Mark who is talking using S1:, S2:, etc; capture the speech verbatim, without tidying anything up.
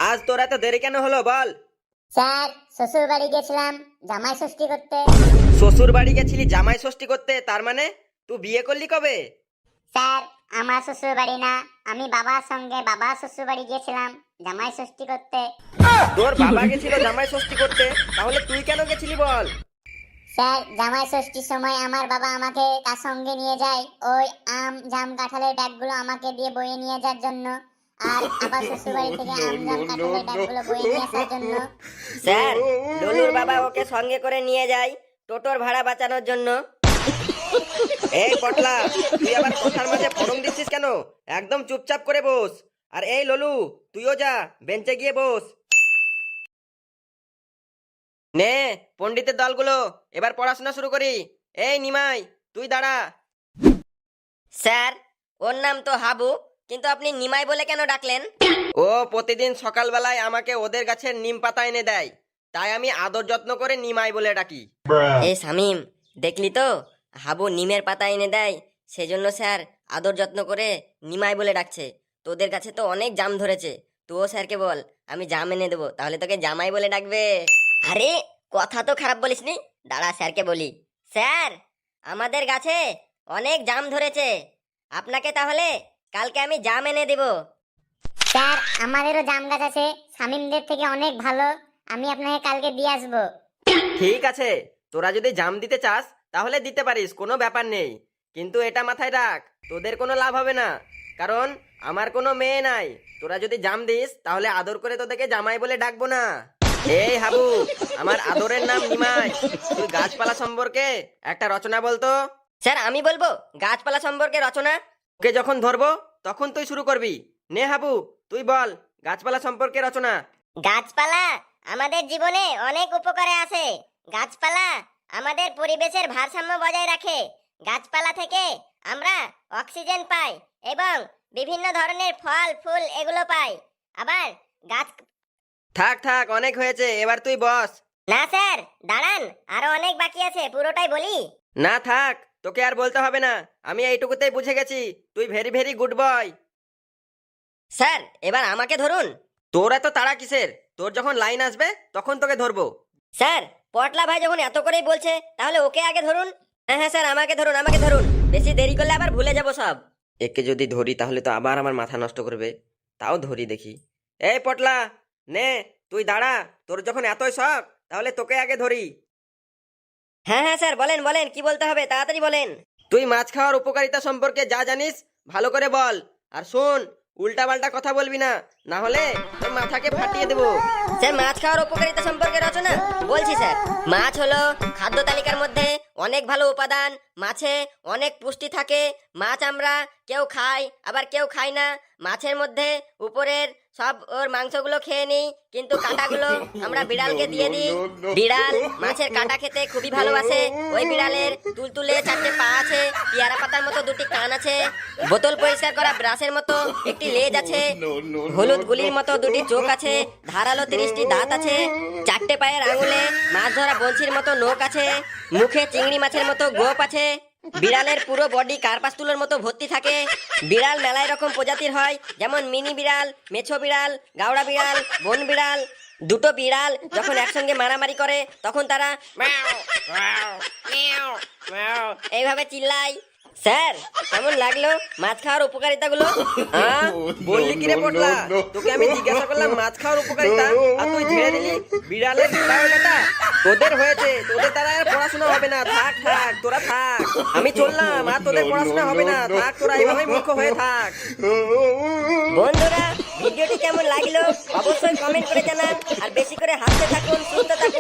S1: আজ তোর এত দেরি কেন হলো বল?
S2: স্যার শ্বশুর বাড়ি গেছিলাম জামাই ষষ্ঠী করতে।
S1: শ্বশুর বাড়ি গেছিলি জামাই ষষ্ঠী করতে, তার মানে তুই বিয়ে করলি কবে?
S2: স্যার আমার শ্বশুর বাড়ি না, আমি বাবার সঙ্গে বাবা শ্বশুর বাড়ি গিয়েছিলাম জামাই ষষ্ঠী করতে।
S1: তোর বাবা গেছিল জামাই ষষ্ঠী করতে, তাহলে তুই কেন গেছিলি বল?
S2: স্যার জামাই ষষ্ঠীর সময় আমার বাবা আমাকে তার সঙ্গে নিয়ে যায় ওই আম জাম কাঁঠালের ব্যাগগুলো আমাকে দিয়ে বয়ে নিয়ে যাওয়ার জন্য, আর আবার শ্বশুর বাড়ি থেকে আম জাম কাঁঠালের ব্যাগগুলো বয়ে নিয়ে আসার জন্য।
S3: স্যার ললুর বাবা ওকে সঙ্গে করে নিয়ে যায় টোটোর ভাড়া বাঁচানোর জন্য।
S1: এই পটলা, তুই আবার কথার মাঝে ফড়ং দিচ্ছিস কেন? একদম চুপচাপ করে বস। আর এই ললু, তুইও যা বেঞ্চে গিয়ে বস। নে পণ্ডিতের দলগুলো, এবার পড়াশোনা শুরু করি। এই নিমাই, তুই দাঁড়া।
S3: স্যার ওর নাম তো হাবু, কিন্তু আপনি নিমাই বলে কেন ডাকলেন?
S1: ও প্রতিদিন সকালবেলায় আমাকে ওদের গাছের নিম পাতা এনে দেয়, তাই আমি আদর যত্ন করে নিমাই বলে ডাকি।
S3: এই শামিম, দেখলি তো হাবু নিমের পাতা এনে দেয়, সেজন্য স্যার আদর যত্ন করে নিমাই বলে ডাকছে। তোদের কাছে তো অনেক জাম ধরেছে, তুইও স্যারকে বল আমি জাম এনে দেবো, তাহলে তোকে জামাই বলে ডাকবে। আরে কথা তো খারাপ বলিসনি, দাঁড়া স্যারকে বলি। স্যার আমাদের গাছে অনেক জাম ধরেছে, আপনাকে তাহলে কালকে আমি জাম এনে দেব।
S2: স্যার আমাদেরও জাম গাছ আছে, শামিমদের থেকে অনেক ভালো, আমি আপনাকে কালকে দিয়ে আসবো।
S1: ঠিক আছে, তোরা যদি জাম দিতে চাস তাহলে দিতে পারিস, কোনো ব্যাপার নেই। কিন্তু এটা মাথায় রাখ, তোদের কোনো লাভ হবে না, কারণ আমার কোনো মেয়ে নাই। তোরা যদি জাম দিস তাহলে আদর করে তোদেরকে জামাই বলে ডাকবো না। এই হাবু, আমার আদরের নাম নিমাই, তুই গাছপালা সম্পর্কে একটা রচনা বলতো।
S3: স্যার আমি বলবো গাছপালা সম্পর্কে রচনা।
S1: ওকে যখন ধরবো তখন তুই শুরু করবি। নে হাবু, তুই বল গাছপালা সম্পর্কে রচনা।
S2: গাছপালা আমাদের জীবনে অনেক উপকারে আসে। গাছপালা আমাদের পরিবেশের ভারসাম্য বজায় রাখে। গাছপালা থেকে আমরা অক্সিজেন পাই এবং বিভিন্ন ধরনের ফল ফুল এগুলো পাই। আবার গাছ
S1: থাক থাক, অনেক হয়েছে, এবার তুই বস।
S2: না স্যার দাঁড়ান, আরো অনেক বাকি আছে, পুরোটাই বলি।
S1: না থাক, তোকে আর বলতে হবে না, আমি এইটুকুতেই বুঝে গেছি তুই very very good boy.
S3: Sir এবার আমাকে ধরুন।
S1: তোর এত তাড়া কিসের? তোর যখন লাইন আসবে তখন তোকে ধরবো।
S3: স্যার পটলা ভাই যখন এত করেই বলছে তাহলে ওকে আগে ধরুন। হ্যাঁ হ্যাঁ স্যার আমাকে ধরুন, আমাকে ধরুন, বেশি দেরি করলে আবার ভুলে যাব সব।
S1: একে যদি ধরি তাহলে তো আবার আমার মাথা নষ্ট করবে, তাও ধরি দেখি। এই পটলা, নে তুই দাঁড়া, তোর যখন এতই শখ তাহলে তোকে আগে ধরি।
S3: হ্যাঁ হ্যাঁ স্যার বলেন বলেন, কি বলতে হবে তাড়াতাড়ি বলেন।
S1: তুই মাছ খাওয়ার উপকারিতা সম্পর্কে যা জানিস ভালো করে বল। আর শোন, উল্টা পাল্টা কথা বলবি না, না হলে তোর মাথাকে ফাটিয়ে দেবো।
S3: স্যার মাছ খাওয়ার উপকারিতা সম্পর্কে রচনা বলছি স্যার। মাছ হলো খাদ্য তালিকার মধ্যে অনেক ভালো উপাদান, মাছে অনেক পুষ্টি থাকে। মাছ আমরা কেউ খাই আবার কেউ খাই না। মাছের মধ্যে উপরের সব ওর মাংসগুলো খেয়ে নিই, কিন্তু কাঁটাগুলো আমরা বিড়ালকে দিয়ে দিই। বিড়াল মাছের কাঁটা খেতে খুবই ভালোবাসে। ওই বিড়ালের তুলতুলে চারটে পা আছে, পেয়ারা পাতার মতো দুটি কান আছে, বোতল পরিষ্কার করা ব্রাশের মতো একটি লেজ আছে, হলুদ গুলির মতো দুটি চোখ আছে, ধারালো তিরিশটি দাঁত আছে, চারটে পায়ের আঙুলে মাছ ধরা বঞ্চির মতো নখ আছে, মুখে চিংড়ি মাছের মতো গোপ আছে। বিড়ালের পুরো বডি কার্পাস তুলোর মতো ভর্তি থাকে। বিড়াল মেলায় রকম প্রজাতির হয়, যেমন মিনি বিড়াল, মেছো বিড়াল, গাওড়া বিড়াল, বন বিড়াল। দুটো বিড়াল যখন একসঙ্গে মারামারি করে তখন তারা ম্যাও ম্যাও ম্যাও ম্যাও এইভাবে চিল্লায়। স্যার কেমন লাগলো মাছ খাওয়ার উপকারিতাগুলো?
S1: হ্যাঁ বললি কিরে পটলা, তোকে আমি জিজ্ঞাসা করলাম মাছ খাওয়ার উপকারিতা, আর তুই ঝেড়ে দিলি বিড়ালের বায়োডাটা। তোদের হয়েছে, তোদের দ্বারা আর পড়াশোনা হবে না, থাক থাক তোরা থাক, আমি চললাম, আর তোদের পড়াশোনা হবে না, থাক তোরা এইভাবেই মূর্খ হয়ে থাক।
S3: বন্ধুরা ভিডিওটি কেমন লাগলো অবশ্যই কমেন্ট করে জানান, আর বেশি করে হাসতে থাকুন, সুস্থ থাকুন।